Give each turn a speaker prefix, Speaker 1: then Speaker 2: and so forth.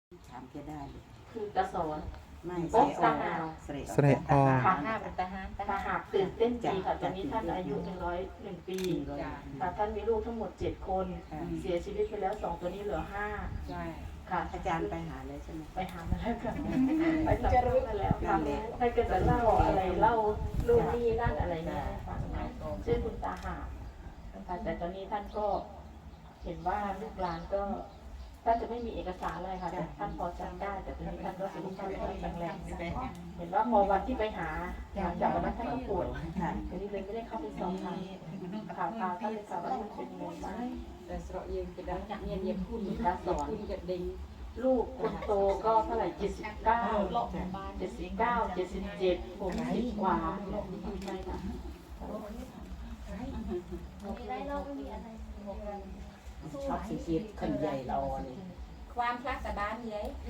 Speaker 1: ถามแกได้เลย
Speaker 2: คือกระสอน
Speaker 1: ไม่
Speaker 2: โอ๊ะทหาร
Speaker 1: เสร็จออก
Speaker 2: ค่ะ
Speaker 3: หน้าเป็นทหาร
Speaker 2: ทหารตื่นเต้นดีค่ะตอนนี้ท่านอายุ101 ปีค่ะท่านมีลูกทั้งหมด7 คน เสียชีวิตไปแล้ว2ตัวนี้เหลือ5
Speaker 3: ใช่
Speaker 2: ค่ะ
Speaker 1: อาจารย์ไปหาเลยใช่ไหม
Speaker 2: ไปหามาแล้วค่ะไปจะรู้มาแล้วค่ะให้ก็จะเล่าอะไรเล่าลูกนี่นั่นอะไรเนี่ยฟังนะชื่อคุณตาหาค่ะแต่ตอนนี้ท่านก็เห็นว่าลูกหลานก็ท่านจะไม่มีเอกสารอะไรค่ะแต่ท่านพอจำได้แต่ตอนนี้ท่านก็สุขภาพไม่ค่อยแข็งแรงเห็นว่าพอวันที่ไปหาหลังจากวันนั้นท่านก็ป่วยทีนี้เลยไม่ได้เข้าไปสอบถามข่าวท่านเลยค่ะว่าท่านเป็นยังไงบ้าง
Speaker 3: แต่สระยังไปได้เงียบเงียบคุณคุณกับเด้ง
Speaker 2: ลูกคนโตก็เท่าไหร่79 60 กว่าใช่ค่ะ
Speaker 4: มีไรเราไม่มีอะไร
Speaker 1: ชอบสีเขียวขันใหญ่เราเนี่ย
Speaker 4: ความพลักกับบ้านเลย